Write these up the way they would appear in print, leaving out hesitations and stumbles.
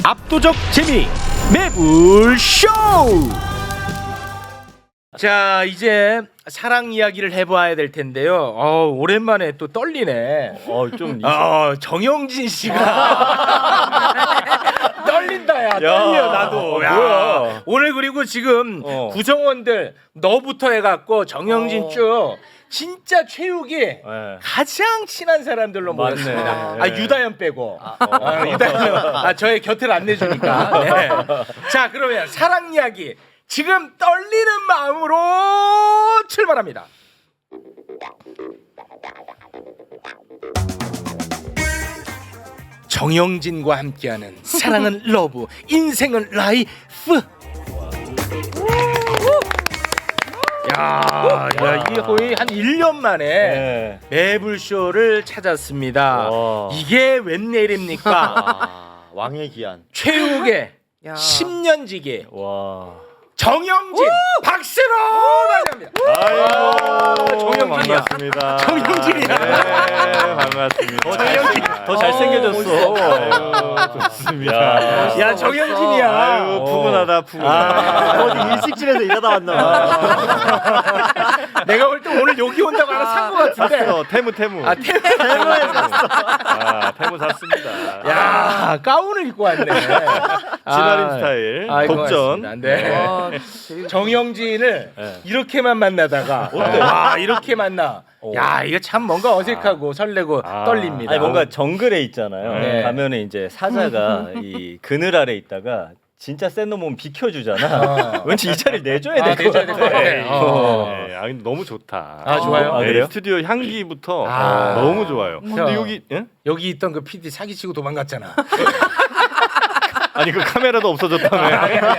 압도적 재미 매불쇼. 자, 이제 사랑 이야기를 해봐야 될 텐데요. 오랜만에 또 떨리네. 정영진 씨가 떨린다야. 떨려 나도. 야, 오늘 그리고 지금 구성원들 너부터 해갖고 정영진 쭉 진짜 체육이 가장 친한 사람들로 모였습니다. 유다현 빼고. 유다현 저의 곁을 안 내주니까. 네. 자, 그러면 사랑 이야기 지금 떨리는 마음으로 출발합니다. 정영진과 함께하는 사랑은 러브, 인생은 라이프. 야, 이게 거의 한 1년 만에 매불쇼를 찾았습니다. 이게 웬일입니까? 왕의 기한. 최욱의 10년 지기. 정영진 박수로 맞이합니다. 정영진이야. 반갑습니다. 정영진이야. 네, 반갑습니다. 정영진 더 잘생겨졌어. 좋습니다. 야, 정영진이야. 아유, 푸근하다, 푸근하다. 어디 일식집에서 일하다 왔나 봐. 내가 볼 때 오늘 여기 온다고 하나 산 것 같은데. 태무. 태무에서 샀어. 태무 샀습니다. 야, 가운을 입고 왔네. 진아림 스타일. 독전. 네. 정영진을 이렇게만 만나다가 와, 이렇게 만나. 야, 이거 참 뭔가 어색하고 설레고 떨립니다. 아니 뭔가 정글에 있잖아요. 네. 가면은 이제 사자가 이 그늘 아래 있다가 진짜 센 놈은 비켜주잖아. 왠지 이 자리를 내줘야 될 것 내줘야 될것 같아. 같아. 네, 너무 좋다. 좋아요? 그래요? 스튜디오 향기부터 너무 좋아요. 근데 여기 있던 그 PD 사기치고 도망갔잖아. 아니 그 카메라도 없어졌다며.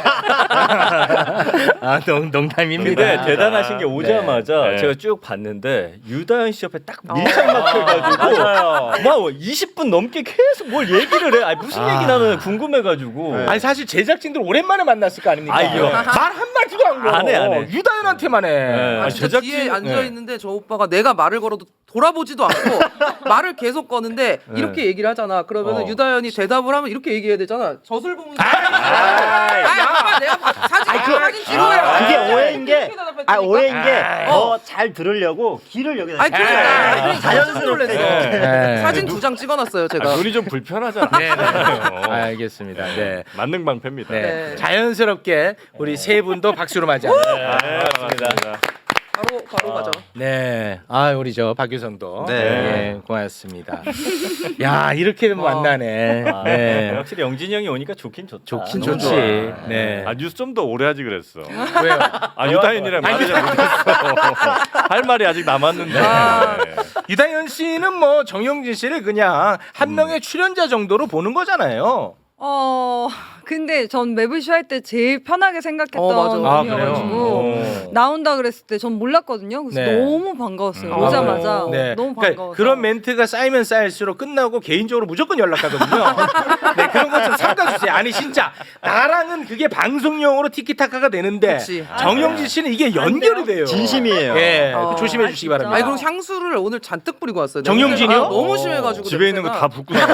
농담입니다. 근데 대단하신 게 오자마자 네. 제가 쭉 봤는데 유다현 씨 옆에 딱 밀착 막혀가지고 막 20분 넘게 계속 뭘 얘기를 해. 아니 무슨 얘기 나는 궁금해가지고. 아니 사실 제작진들 오랜만에 만났을 거 아닙니까? 말 한마디도 안 걸어. 안 해. 유다현한테만 해. 아, 진짜 뒤에 앉아 있는데 저 오빠가 내가 말을 걸어도 돌아보지도 않고 말을 계속 거는데 이렇게 얘기를 하잖아. 그러면 유다현이 대답을 하면 이렇게 얘기해야 되잖아. 젖을 보면서 아빠 내가 사진 찍어요. 그게 오해인 게, 오해인 게 더 잘 들으려고 귀를 여기다. 아니 그러니까 자연스럽게. 네. 사진 2장 찍어놨어요 제가. 눈이 좀 불편하잖아. 네. 알겠습니다. 네. 만능 방패입니다. 네. 네. 자연스럽게 우리 세 분도 박수로 맞이합니다. 반갑습니다. 바로 가죠. 네. 우리 저 박유성도 네. 고맙습니다. 야, 이렇게 만나네. 네. 확실히 영진이 형이 오니까 좋긴 좋다. 좋긴 너무 좋지. 좋아. 네. 뉴스 좀 더 오래 하지 그랬어. 왜요? 유다현이랑 말을 잘 못했어. 할 말이 아직 남았는데. 유다현 씨는 뭐 정영진 씨를 그냥 한 명의 출연자 정도로 보는 거잖아요. 근데 전 매블쇼 할 때 제일 편하게 생각했던 맞아. 분이어가지고 나온다 그랬을 때 전 몰랐거든요. 그래서 네. 너무 반가웠어요. 오자마자 네. 너무 그러니까 반가워서. 그런 멘트가 쌓이면 쌓일수록 끝나고 개인적으로 무조건 연락하거든요. 네, 그런 것 좀 삼가주세요. 아니 진짜 나랑은 그게 방송용으로 티키타카가 되는데 그치. 정영진 씨는 이게 연결이 돼요. 진심이에요. 예, 조심해 주시기 진짜? 바랍니다. 아니 그리고 향수를 오늘 잔뜩 뿌리고 왔어요. 정영진이요? 너무 심해가지고 집에 있는 거 다 붓고 나왔어.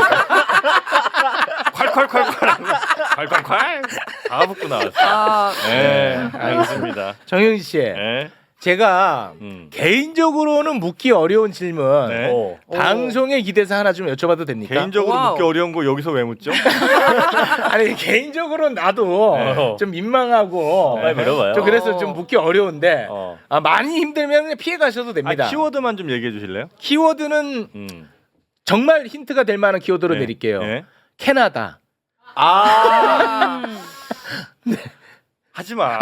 콸콸콸 다 붓고 나왔어. 네, 알겠습니다. 정영진 씨, 네. 제가 개인적으로는 묻기 어려운 질문 네. 방송에 기대서 하나 좀 여쭤봐도 됩니까? 개인적으로 와우. 묻기 어려운 거 여기서 왜 묻죠? 아니 개인적으로 나도 좀 민망하고 빨리 물어봐요. 좀 그래서 좀 묻기 어려운데 많이 힘들면 그냥 피해 가셔도 됩니다. 키워드만 좀 얘기해 주실래요? 키워드는 정말 힌트가 될 만한 키워드로 내릴게요. 네. 캐나다. 네. 하지 마.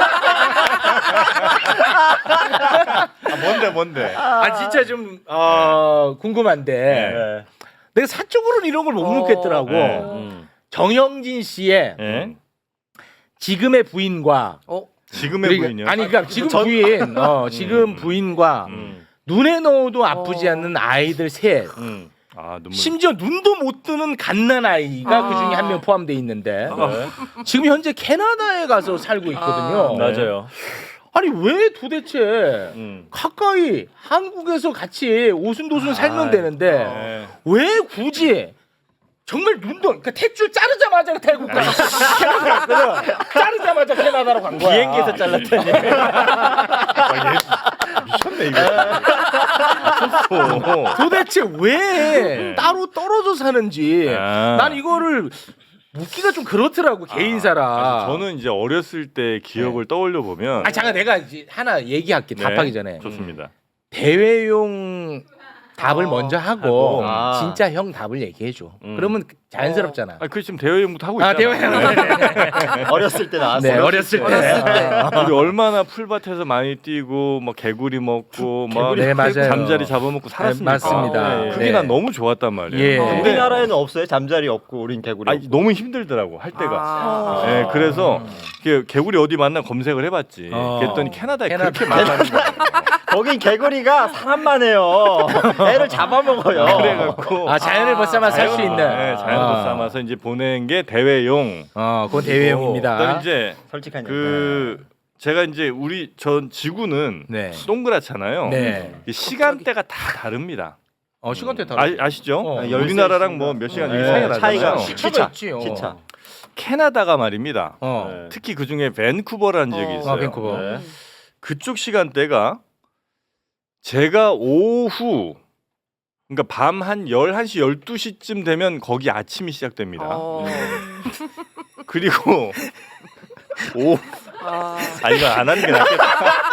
뭔데? 진짜 좀 궁금한데 네. 내가 사적으로는 이런 걸 못 묻겠더라고. 정영진 씨의 지금의 부인과 지금의 부인이요? 아니 그러니까 지금 부인 지금 부인과 눈에 넣어도 아프지 않는 아이들 셋. 눈물. 심지어 눈도 못 뜨는 갓난 아이가 그 중에 한 명 포함되어 있는데 지금 현재 캐나다에 가서 살고 있거든요. 맞아요. 아니 왜 도대체 가까이 한국에서 같이 오순도순 살면 되는데 왜 굳이 정말 눈도 그러니까 탯줄 자르자마자 태국가 캐나다 갔거든. 자르자마자 캐나다로 간 거야. 비행기에서 잘랐더니. 미쳤네 이거. 도대체 왜 따로 떨어져 사는지 난 이거를 묻기가 좀 그렇더라고 개인사라. 저는 이제 어렸을 때 기억을 떠올려 보면. 잠깐 내가 이제 하나 얘기할게. 답하기 전에 좋습니다. 대회용 답을 먼저 하고 아. 진짜 형 답을 얘기해줘. 그러면 자연스럽잖아. 그 지금 대여행부터 하고 있잖아. 대회용. 어렸을 때 나왔어요. 네, 어렸을 때. 우리 얼마나 풀밭에서 많이 뛰고 뭐 개구리 먹고 막 네, 맞아요. 잠자리 잡아먹고 살았습니까? 맞습니다. 그게 네. 난 너무 좋았단 말이에요. 예. 근데 우리나라에는 없어요. 잠자리 없고 우린 개구리. 아니, 너무 힘들더라고 할 때가. 아. 네, 그래서 개구리 어디 만나 검색을 해봤지. 그랬더니 캐나다에 캐나다. 그렇게 많다는 거야. 거긴 개구리가 사람만 해요. 애를 잡아먹어요. 그래갖고 자연을 벗삼아 살 수 있는. 네, 자연을 벗삼아서 이제 보낸 게 대회용. 그건 대회용입니다. 그다음 이제 솔직한 제가 이제 우리 전 지구는 네. 동그랗잖아요. 네. 이 시간대가 다 다릅니다. 시간대 다르죠. 아시죠? 네. 우리나라랑 뭐 몇 시간 네, 차이가 차이가 나잖아요. 시차가 있지요. 시차. 캐나다가 말입니다. 네. 특히 그 중에 밴쿠버라는 지역이 있어요. 밴쿠버. 네. 그쪽 시간대가 제가 오후 그러니까 밤 한 11시 12시쯤 되면 거기 아침이 시작됩니다. 그리고 이거 안 하는 게 낫겠다.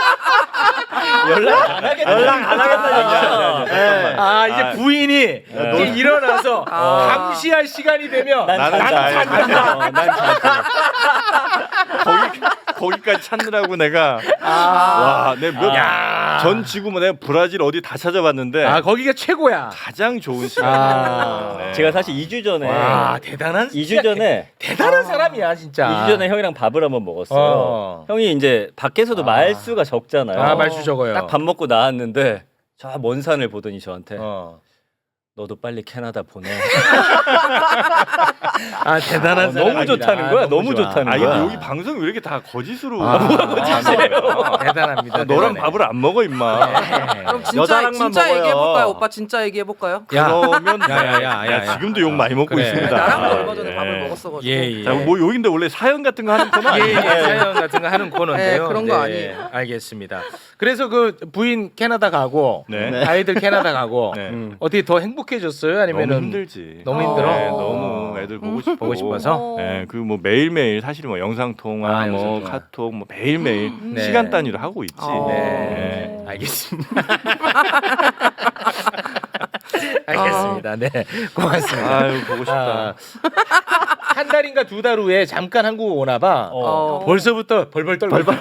연락 안 하겠다니까. 잠깐만. 이제 부인이 이제 일어나서 감시할 시간이 되면 나는 간다. 난 잘. 거기까지 찾느라고 내가 전 지구 뭐 내가 브라질 어디 다 찾아봤는데 거기가 최고야. 가장 좋은 시간. 네. 제가 사실 2주 전에 대단한 2주 전에 대단한 사람이야 진짜. 2주 전에 형이랑 밥을 한번 먹었어요. 형이 이제 밖에서도 말수가 적잖아요. 말수 적어요. 딱 밥 먹고 나왔는데 저 먼 산을 보더니 저한테 너도 빨리 캐나다 보내. 대단한 사람. 너무 좋다는 거야. 너무 좋다는 거야. 근데 여기 방송이 왜 이렇게 다 거짓으로 대단합니다. 너랑 밥을 안 먹어 임마. 그럼 여자랑만 진짜 먹어요. 얘기해 볼까요? 오빠 진짜 얘기해 볼까요? 그러면 야. 지금도 욕 많이 먹고 그래. 있습니다. 나랑도 얼마 전에 예. 밥을 먹었어가지고. 예. 자, 뭐 여긴데 원래 사연 같은 거 하는 코너 아니에요? 사연 같은 거 하는 코너인데요. 네, 그런 거 아니에요. 알겠습니다. 그래서 그 부인 캐나다 가고 네. 아이들 캐나다 가고 네. 어떻게 더 행복해졌어요? 아니면은 너무 힘들지. 너무 힘들어? 네, 너무 애들 보고 싶고. 보고 싶어서? 네, 그 뭐 매일매일 사실 뭐 영상 통화, 뭐 영상 통화. 카톡 뭐 매일매일 네. 시간 단위로 하고 있지. 네. 알겠습니다. 알겠습니다. 네. 고맙습니다. 아유 보고 싶다. 한 달인가 두 달 후에 잠깐 한국 오나 봐. 벌써부터 벌벌 떨고. 또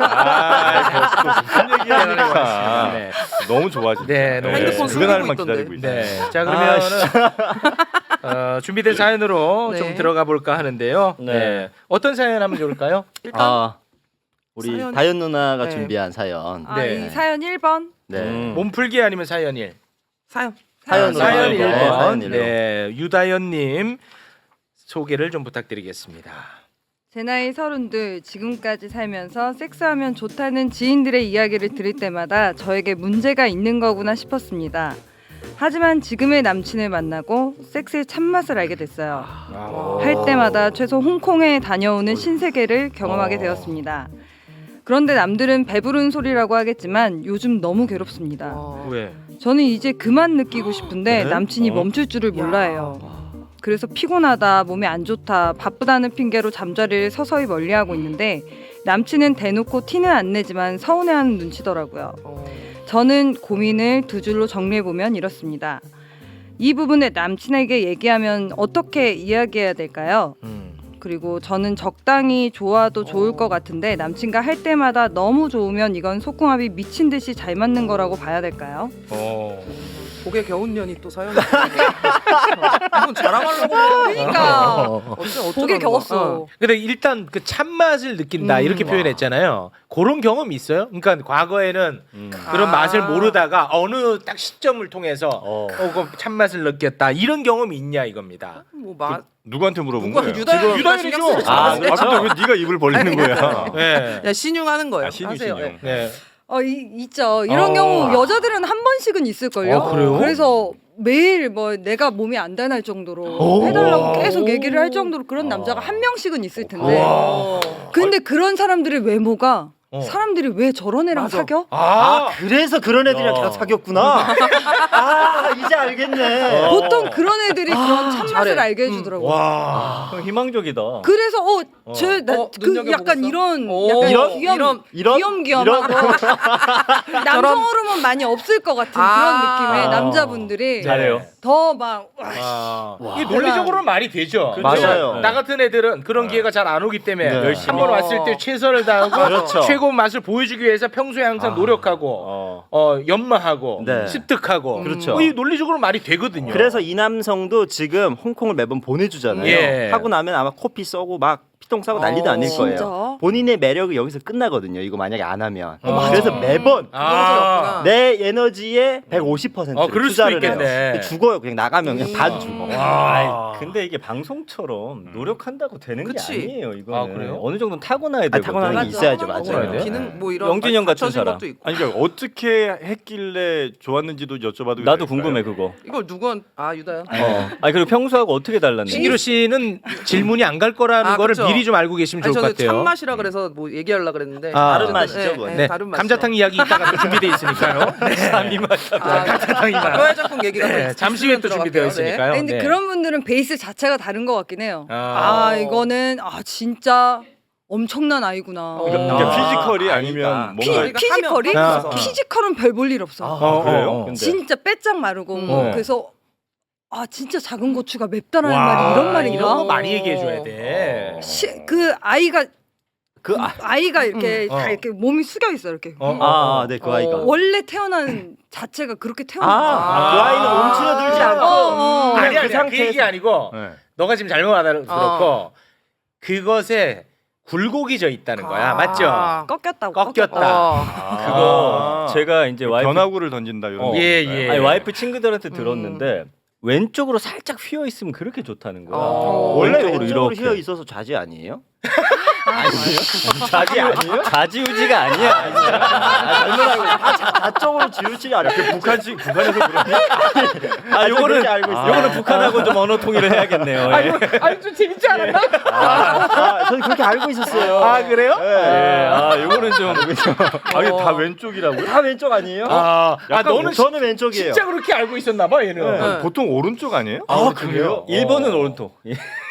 무슨 얘기하니까. 네. 너무 좋아지. 네, 너무 핸드폰 그날 숨기고 만 있던데. 기다리고 있어. 네. 자, 그러면은 준비된 사연으로 네. 좀 들어가 볼까 하는데요. 네. 네. 어떤 사연 하면 좋을까요? 일단 우리 사연- 다현 누나가 네. 준비한 사연. 네. 이 사연 1번. 네. 몸풀기 아니면 사연일? 사연. 사연으로. 사연 네, 1번. 사연으로. 네. 유다연님 소개를 좀 부탁드리겠습니다. 제 나이 32, 지금까지 살면서 섹스하면 좋다는 지인들의 이야기를 들을 때마다 저에게 문제가 있는 거구나 싶었습니다. 하지만 지금의 남친을 만나고 섹스의 참맛을 알게 됐어요. 할 때마다 최소 홍콩에 다녀오는 신세계를 경험하게 되었습니다. 그런데 남들은 배부른 소리라고 하겠지만 요즘 너무 괴롭습니다. 왜? 저는 이제 그만 느끼고 싶은데 남친이 멈출 줄을 몰라요. 그래서 피곤하다, 몸이 안 좋다, 바쁘다는 핑계로 잠자리를 서서히 멀리하고 있는데 남친은 대놓고 티는 안 내지만 서운해하는 눈치더라고요. 저는 고민을 두 줄로 정리해보면 이렇습니다. 이 부분을 남친에게 얘기하면 어떻게 이야기해야 될까요? 그리고 저는 적당히 좋아도 좋을 것 같은데 남친과 할 때마다 너무 좋으면 이건 속궁합이 미친 듯이 잘 맞는 거라고 봐야 될까요? 복의 겨운년이 또 사연. 이건 자랑하려고. 그러니까 복에 겨웠어. 근데 일단 그 참맛을 느낀다 이렇게 표현했잖아요. 그런 경험 있어요? 그러니까 과거에는 그런 맛을 모르다가 어느 딱 시점을 통해서 그 참맛을 느꼈다 이런 경험이 있냐 이겁니다. 뭐 맛. 누구한테 물어본 누가 거예요? 유다현이죠. 근데 왜 네가 입을 벌리는 거야? 네. 야 신용하는 거예요. 신유. 하세요. 네. 네. 있죠. 이런 경우 여자들은 한 번씩은 있을걸요. 그래요? 그래서 매일 뭐 내가 몸이 안 닿을 정도로 해달라고 계속 얘기를 할 정도로 그런 남자가 한 명씩은 있을 텐데. 근데 그런 사람들의 외모가 사람들이 왜 저런 애랑 사겨? 그래서 그런 애들이랑 다 사귀었구나. 아 이제 알겠네. 보통 그런 애들이 그런 참맛을 잘해. 알게 해주더라고. 와 희망적이다. 그래래서 그 눈여겨보고 약간 있어? 이런 오, 약간 이런? 귀염하고 남성 호르몬 많이 없을 것 같은 그런 느낌의 남자분들이 잘해요. 더 막 이게 논리적으로는 말이 되죠. 맞아요. 나 같은 애들은 그런 기회가 잘 안 오기 때문에 네. 한 번 왔을 때 최선을 다하고 그렇죠. 최고 맛을 보여주기 위해서 평소에 항상 노력하고 연마하고 네. 습득하고 그렇죠. 이 논리적으로 말이 되거든요. 그래서 이 남성도 지금 홍콩을 매번 보내주잖아요. 예. 하고 나면 아마 코피 써고 막 피똥 싸고 난리도 아닐 거예요. 진짜? 본인의 매력이 여기서 끝나거든요. 이거 만약에 안 하면. 그래서 매번 아. 내 에너지의 150% 그럴 수도 투자를 있겠네. 해요. 죽어요. 그냥 나가면 그냥 반 죽어. 아. 근데 이게 방송처럼 노력한다고 되는 그치. 게 아니에요. 이거는 아, 그래요? 어느 정도는 타고나야 되거든. 타고나는 게 있어야죠. 타고나야 맞아요. 돼요? 기능 뭐 이런 영진이 형 같은 갖춰진 사람. 것도 있고. 아니 그러니까 어떻게 했길래 좋았는지도 여쭤봐도 나도 될까요? 궁금해 그거. 이걸 누군 유다현. 아니 그리고 평소하고 어떻게 달랐는지. 신기루 씨는 질문이 안 갈 거라는 거를 그쵸. 미리 좀 알고 계시면 아니 좋을 것 저는 같아요. 참맛이라 그래서 뭐 얘기하려고 그랬는데 다른 맛이죠, 그건. 네, 다른 맛이죠. 감자탕 이야기 이따가 또 준비돼 있으니까요. 감자탕 이만. 뼈해장국 얘기가 네, 잠시 후에 또 준비되어 있으니까요. 근데 네. 그런 분들은 베이스 자체가 다른 것 같긴 해요. 이거는 진짜 엄청난 아이구나. 그러니까 피지컬이 아니면 뭔가 피지컬이? 하면. 피지컬은 별 볼 일 없어. 그래요? 근데. 진짜 빼짝 마르고 어. 그래서 진짜 작은 고추가 맵다라는 말이 이런 말인가? 이런 거 많이 얘기해 줘야 돼. 그 아이가 그 아이가 이렇게 다 어. 이렇게 몸이 숙여 있어 이렇게. 네, 그 아이가. 원래 태어난 자체가 그렇게 태어난 그 거야. 아이는 움츠러들지 않고 아니야, 그 그 상태에서 얘기 아니고 네. 너가 지금 잘못 알아들었고 그것에 굴곡이 져 있다는 거야, 맞죠? 꺾였다고. 꺾였다. 그거 제가 이제 와이프 변화구를 던진다 이런. 예, 건가요? 예. 아니, 와이프 친구들한테 들었는데 왼쪽으로 살짝 휘어 있으면 그렇게 좋다는 거야. 원래 왼쪽으로 휘어 있어서 좌지 아니에요? 좌지 아니에요? 좌지우지가 아니야. 좌쪽으로 지우지 않아. 북한에서 그러니? 요거는 요거는 북한하고 좀 언어 통일을 해야겠네요. 아니 좀 재밌지 않았나? 저는 그렇게 알고 있었어요. 그래요? 요거는 좀 아니 다 왼쪽이라고요? 다 왼쪽 아니에요? 너는 저는 왼쪽이에요. 진짜 그렇게 알고 있었나 봐, 얘는. 아니, 보통 오른쪽 아니에요? 그래요? 1번은 오른쪽.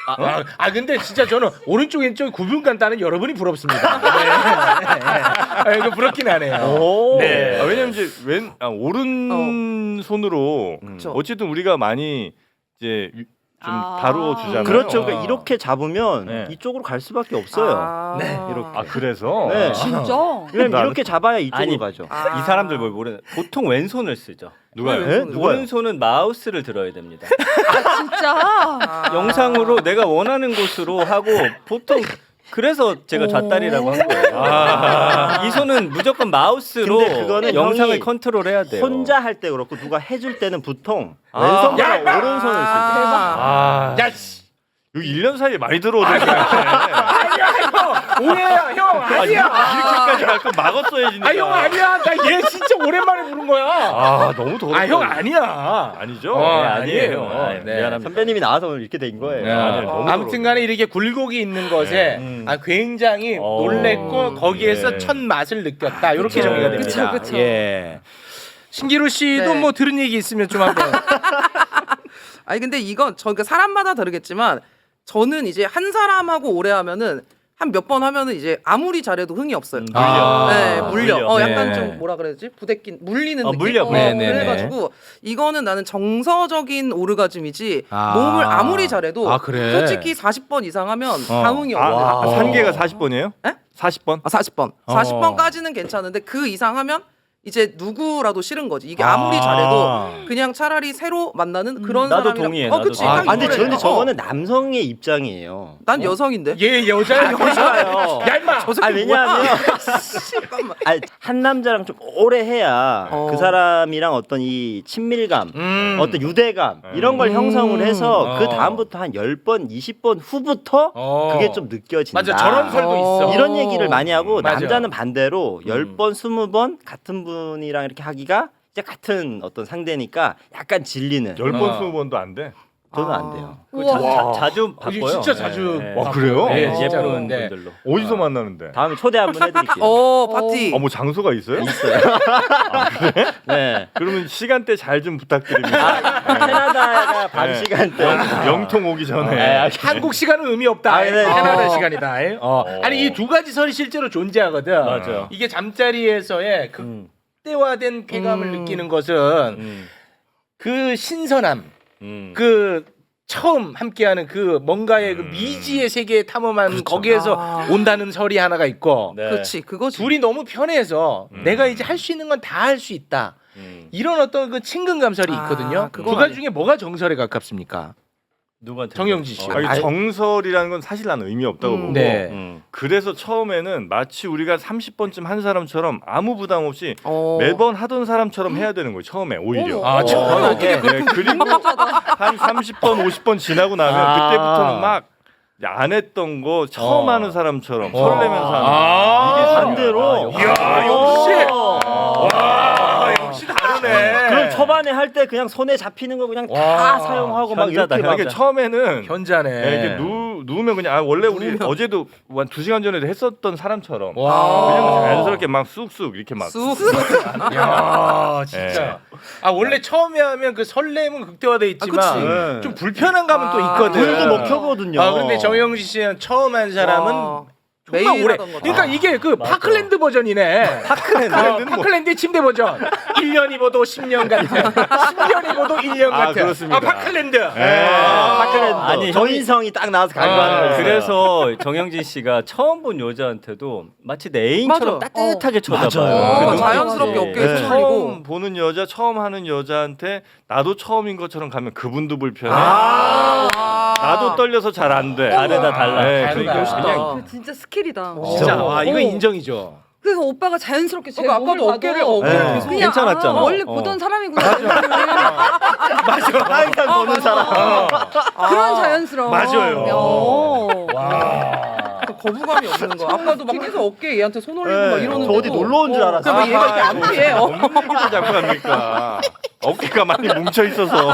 근데 진짜 저는 오른쪽 왼쪽 구분 간다는 여러분이 부럽습니다. 네. 이거 부럽긴 하네요. 네. 왜냐면 이제 오른 손으로 어쨌든 우리가 많이 이제 좀 다루어 주잖아요. 그렇죠. 그러니까 이렇게 잡으면 네. 이쪽으로 갈 수밖에 없어요. 이렇게. 그래서 네. 진짜? 왜냐면 이렇게 잡아야 이쪽으로 가죠. 이 사람들 뭘 모르는. 보통 왼손을 쓰죠. 누가요? 오른손은 마우스를 들어야 됩니다. 진짜? 영상으로 내가 원하는 곳으로 하고 보통 그래서 제가 좌다리라고 한 거예요. 이 손은 무조건 마우스로 근데 그거는 영상을 형이 컨트롤해야 돼요. 혼자 할 때 그렇고 누가 해줄 때는 보통 왼손보다 오른손을 쓸 때. 야, 씨. 여기 1년 사이에 많이 들어오던데. 아니야, 형. 오해야, 형. 아니야. 이렇게까지 갈 거 막았어야지. 형 아니야. 나 얘 진짜 오랜만에 부른 거야. 너무 더럽다. 형 아니야. 아니죠? 아니에요. 네. 미안합니다. 선배님이 나와서 오늘 이렇게 된 거예요. 너무 아무튼간에 이렇게 굴곡이 있는 것에 굉장히 놀랬고 거기에서 첫 맛을 느꼈다. 이렇게 정리가 됩니다. 그쵸. 예. 신기루 씨도 네. 뭐 들은 얘기 있으면 좀 한번. 아니 근데 이건 그러니까 사람마다 다르겠지만 저는 이제 한 사람하고 오래 하면은 한 몇 번 하면은 이제 아무리 잘해도 흥이 없어요. 물려. 약간 네. 좀 뭐라 그래야지? 부대낀 물리는 느낌. 물려. 네네네. 그래가지고 이거는 나는 정서적인 오르가즘이지 몸을 아무리 잘해도 그래. 솔직히 40번 이상 하면 감흥이 없어. 산계가 40번이에요? 에? 40번? 40번. 40번까지는 괜찮은데 그 이상 하면 이제 누구라도 싫은 거지. 이게 아무리 잘해도 그냥 차라리 새로 만나는 그런 나도 사람이랑 동의해, 나도 그치. 동의해. 딱 근데 이거래. 저거는 남성의 입장이에요. 난 여성인데. 얘 여자야. 여자예요. 야 임마. 저 새끼 왜냐하면 잠깐만. 한 남자랑 좀 오래 해야 그 사람이랑 어떤 이 친밀감, 어떤 유대감 이런 걸 형성을 해서 그 다음부터 한 10번, 20번 후부터 그게 좀 느껴진다. 맞아, 저런 설도 있어. 이런 얘기를 많이 하고 맞아. 남자는 반대로 10번, 20번 같은 분이랑 이렇게 하기가 이제 같은 어떤 상대니까 약간 질리는. 10번 20번도 안 돼. 저는 안 돼요. 자주 바꿔요. 진짜 자주. 네. 와, 그래요? 네, 예쁜 네. 분들로. 어디서 만나는데? 다음에 초대 한번 해드릴게요. 파티. 뭐 장소가 있어요? 네. 그러면 시간대 잘 좀 부탁드립니다. 캐나다가 밤 네. 시간대. 영통 오기 전에. 한국 시간은 의미 없다. 아, 네. 캐나다 시간이다. 아니 이 두 가지 설이 실제로 존재하거든. 맞아요. 이게 잠자리에서의 극대화된 쾌감을 느끼는 것은 그 신선함, 그 처음 함께하는 그 뭔가의 그 미지의 세계에 탐험한 거기에서 온다는 설이 하나가 있고 네. 그렇지, 그거지. 둘이 너무 편해서 내가 이제 할 수 있는 건 다 할 수 있다. 이런 어떤 그 친근감설이 있거든요. 두 가지 중에 뭐가 정설에 가깝습니까? 누구한테? 정영진 씨. 아니, 정설이라는 건 사실 나는 의미 없다고 보고 네. 그래서 처음에는 마치 우리가 30번쯤 한 사람처럼 아무 부담 없이 어. 매번 하던 사람처럼 해야 되는 거예요. 처음에 오히려. 아, 처음에 네, 그리고 한 30번 50번 지나고 나면 그때부터는 막 안 했던 거 처음 하는 사람처럼 설레면서 하는 이게 반대로. 이야, 역시. 와, 역시 다르네. 그럼 초반에 할 때 그냥 손에 잡히는 거 그냥 다 사용하고 막 현자다, 이렇게 막 이게 처음에는 현자네. 이게 누우면 그냥 원래 우리 어제도 한 2시간 전에도 했었던 사람처럼 와. 그냥 자연스럽게 막 쑥쑥 이렇게 막 야, 진짜. 아, 원래 처음에 하면 그 설렘은 극대화돼 있지만 좀 불편한 감은 또 있거든. 불도 못 켜거든요. 아, 근데 정영진 씨는 처음 한 사람은 정말 매일 오래. 하던 거다. 그러니까 이게 그 파클랜드 버전이네. 파클랜드 침대 버전. 1년 입어도 10년 같은. 10년 입어도 1년 같은. 그렇습니다. 파클랜드. 파클랜드. 아니, 조인성이 딱 나와서 강조하는 거예요. 그래서 정영진 씨가 처음 본 여자한테도 마치 내 애인처럼 맞아. 따뜻하게 쳐다봐요. 맞아요. 그 눈빛이. 자연스럽게 어깨에 네. 손 처음 보는 여자, 처음 하는 여자한테 나도 처음인 것처럼 가면 그분도 불편해. 나도 떨려서 잘 안 돼. 다르다, 달라. 네, 다르다. 그러니까 그냥 그 진짜 스킬이다. 진짜. 와, 이거 인정이죠. 그래서 오빠가 자연스럽게 제 그러니까 몸을 아까도 어깨를 계속 그냥 괜찮았잖아. 원래 어. 보던 사람이구나. 항상 보는 사람. 그런 자연스러움. 맞아요. 어. 와. 거부감이 없는 거. 아까도 막 계속 어깨에 얘한테 손 올리고 막 이러는 저 어디 놀러 온 줄 알았어. 그럼 얘가 이렇게 안 피해. 없는 얘기도 자꾸 합니까? 어깨가 많이 뭉쳐 있어서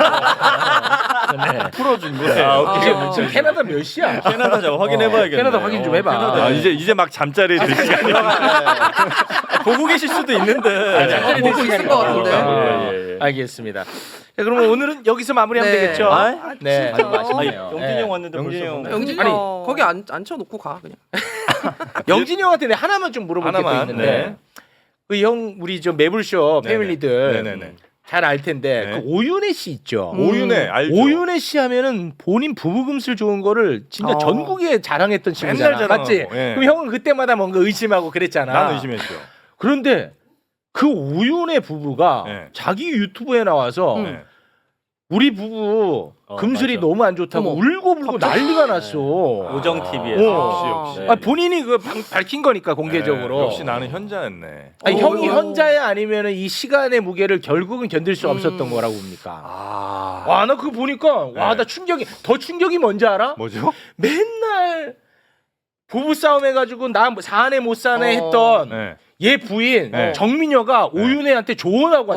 풀어준 거예요. 이제 지금 캐나다 몇 시야? 캐나다 좀 확인해봐야겠네. 캐나다 확인 좀 해봐. 아, 이제 막 잠자리에 들 시간이 보고 계실 수도 있는데. 잠자리 보고 들 있을 시간이 것 같은데. 없으니까. 알겠습니다. 자, 그러면 오늘은 여기서 마무리하면 네. 되겠죠? 아, 네. 진짜. 아주 아니, 맛있네요. 영진이 형 왔는데 영진이 벌써 형. 영진이 아니, 거기 앉혀놓고 가 그냥. 영진이 형한테 내가 하나만 좀 물어볼 게 또 하나만, 있는데 네. 그 형 우리 저 매불쇼 네네. 패밀리들 네네네. 잘 알 텐데 네. 그 오윤혜 씨 있죠. 오윤혜 알죠? 오윤혜 씨 하면은 본인 부부금슬 좋은 거를 진짜 전국에 자랑했던 친구잖아. 맨날 자랑하고, 맞지? 예. 그럼 형은 그때마다 뭔가 의심하고 그랬잖아. 난 의심했죠. 그런데 그 오윤혜 부부가 네. 자기 유튜브에 나와서 네. 우리 부부 금슬이 맞아. 너무 안 좋다고 어머. 울고불고 난리가 났어. 오정 TV에서 어. 역시. 아, 본인이 그 밝힌 거니까 공개적으로. 네, 역시 나는 현자였네. 아니, 형이 어. 현자야 아니면은 이 시간의 무게를 결국은 견딜 수 없었던 거라고 봅니까? 와, 나 그거 보니까 와, 나 충격이 더 충격이 뭔지 알아? 뭐죠? 맨날 부부 싸움 해가지고 나 사내 못 사내 했던 네. 얘 부인 네. 정민여가 오윤혜한테 조언하고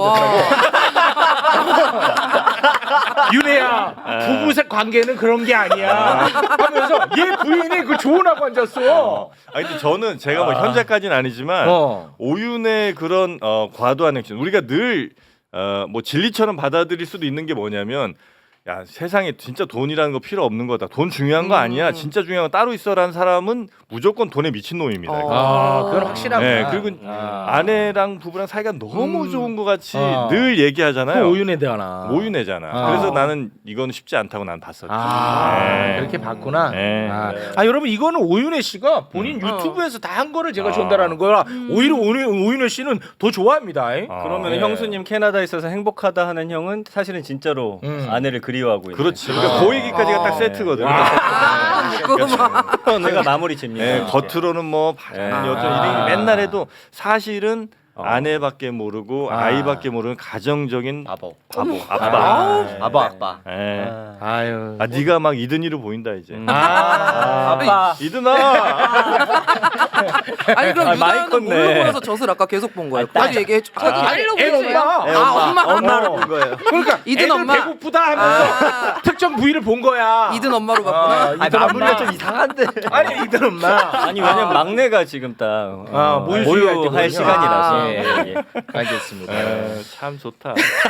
앉았더라고. 윤혜야, 부부 관계는 그런 게 아니야. 하면서 얘 부인이 그 조언하고 앉았어. 아니 근데 저는 제가 뭐 현자까지는 아니지만 오윤의 그런 과도한 액션 우리가 늘 뭐 진리처럼 받아들일 수도 있는 게 뭐냐면 야 세상에 진짜 돈이라는 거 필요 없는 거다. 돈 중요한 거 아니야. 진짜 중요한 거 따로 있어라는 사람은 무조건 돈에 미친 놈입니다. 그건 확실하구나. 네, 그리고 아내랑 부부랑 사이가 너무 좋은 것 같이 늘 그 얘기하잖아요. 오윤혜 대하나. 오윤혜잖아. 그래서 나는 이건 쉽지 않다고 난 봤었지. 네. 그렇게 봤구나. 네. 여러분 이거는 오윤혜 씨가 본인 유튜브에서 다 한 거를 제가 전달하는 거라 오히려 오윤혜 씨는 더 좋아합니다. 그러면 네. 형수님 캐나다에 있어서 행복하다 하는 형은 사실은 진짜로 아내를 그리워하고 있는. 그렇지. 그러니까 그 얘기까지가 딱 세트거든. 제가 마무리 짓니다. 네, 겉으로는 뭐 바른 여전 이런 맨날 해도 사실은 아내밖에 모르고 아이밖에 모르는 가정적인 바보. 아빠. 예. 아유. 아 네가 막 이든이로 보인다 이제. 아빠. 이든아. 아니 그럼 많이 유다현은 컸네. 뭘로 보여서 젖을 아까 계속 본 거예요? 빨리 얘기해 줘. 애 엄마. 엄마로 본 거예요. 그러니까 이든 애들 엄마. 배고프다 하면서 특정 부위를 본 거야. 이든 엄마로 봤구나. 이든 마무리가 엄마. 좀 이상한데. 아니 이든 엄마. 아니 왜냐면 막내가 지금 딱 모유수유할 때거든요. 모유할 시간이라서. 예. 알겠습니다. 참 좋다.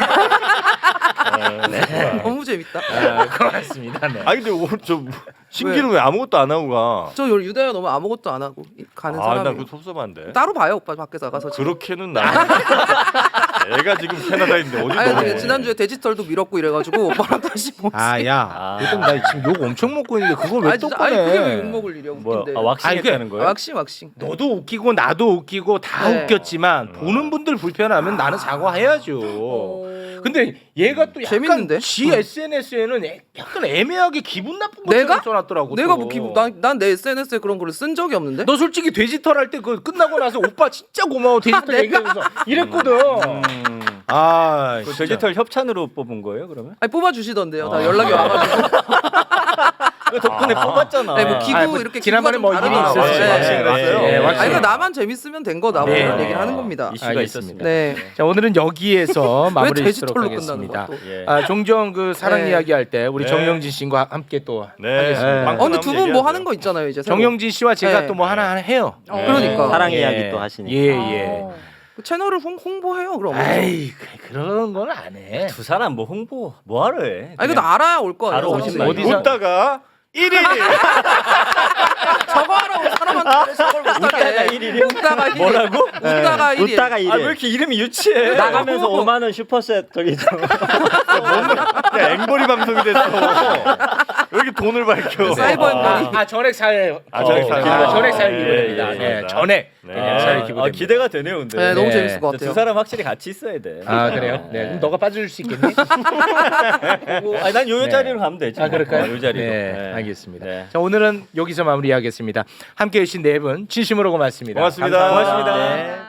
너무 재밌다. 고맙습니다. 네. 아 근데 오늘 저 신기는 왜 아무것도 안 하고 가? 저 유다현 너무 아무것도 안 하고 가는 나 사람이. 그거 섭섭한데. 따로 봐요 오빠 밖에서 나가서. 지금. 그렇게는 나. 애가 지금 캐나다인데 어디 아니 넘어? 지난주에 돼지털도 밀었고 이래가지고 오빠랑 다시 뭐. 아야. 요즘 나 지금 욕 엄청 먹고 있는데 그걸 왜 또 아니 그게 꺼내? 욕 먹을 일이야 뭐야? 웃긴데. 왁싱했다는 거예요? 왁싱. 너도 웃기고 나도 웃기고 다 네. 웃겼지만 보는 분들 불편하면 나는 사과해야죠. 근데 얘가 또 약간 재밌는데? 지 SNS에는 약간 애매하게 기분 나쁜 내가? 것처럼 써놨더라고. 내가 또. 뭐 기분 난 내 SNS에 그런 거를 쓴 적이 없는데. 너 솔직히 돼지털 할 때 그 끝나고 나서 오빠 진짜 고마워 돼지털 내가? 얘기하면서 이랬거든. 아, 그 돼지털 협찬으로 뽑은 거예요 그러면? 아니 뽑아 주시던데요. 다 연락이 와가지고. 그 덕분에 뽑았잖아. 네, 뭐 기부 아니, 뭐 이렇게 지난번에 기부가 좀 뭐 일이 다르더라고요. 있었어요. 네. 왁싱을 했어요. 네, 왁싱. 아니 그러니까 나만 재밌으면 된 거다 뭐 네. 이런 얘기를 하는 겁니다. 이슈가 알겠습니다. 있었습니다. 네. 자 오늘은 여기에서 마무리 짓도록 돼지털로 하겠습니다. 끝나는 예. 종종 그 사랑 네. 이야기 할 때 우리 네. 정영진 씨와 함께 또 네. 하겠습니다. 빵꾸 근데 나면 두 분 뭐 얘기하세요. 하는 거 있잖아요 이제. 새로. 정영진 씨와 제가 네. 또 뭐 하나 해요. 그러니까. 사랑 예. 이야기 또 하시니까. 예. 그 채널을 홍보해요 그럼. 아이 그런 건 안 해. 두 사람 뭐 홍보 뭐하러 해? 아니 근데 알아야 올 거 바로 아니에요. 오신 사람들이. 거예요. 웃다가 1위. 저거 하라고 사람한테 저걸 못하게 해. 웃다가 1위. 뭐라고? 웃다가 1위. 웃다가 이래. 아 왜 이렇게 이름이 유치해? 나가면서 5만 원 슈퍼셋 저기 좀. 야, 앵벌이 방송이 됐어. 왜 이렇게 돈을 밝혀? 사이버 앵벌이. 전액 사회. 전액 사회. 전액 사회 예, 기부입니다. 예, 네, 예. 전액. 네. 그냥 사회 기부입니다. 기대가 되네요 근데. 네, 너무 네. 재밌을 것 두 같아요. 사람 확실히 같이 있어야 돼. 아 그래요? 네. 그럼 너가 빠져줄 수 있겠니? 아니 난 요 네. 자리로 가면 되지. 아 그럴까요? 요 자리로. 네, 알겠습니다. 네. 자 오늘은 여기서 마무리하겠습니다. 함께해 주신 네 분 진심으로 고맙습니다. 고맙습니다. 감사합니다. 고맙습니다. 네.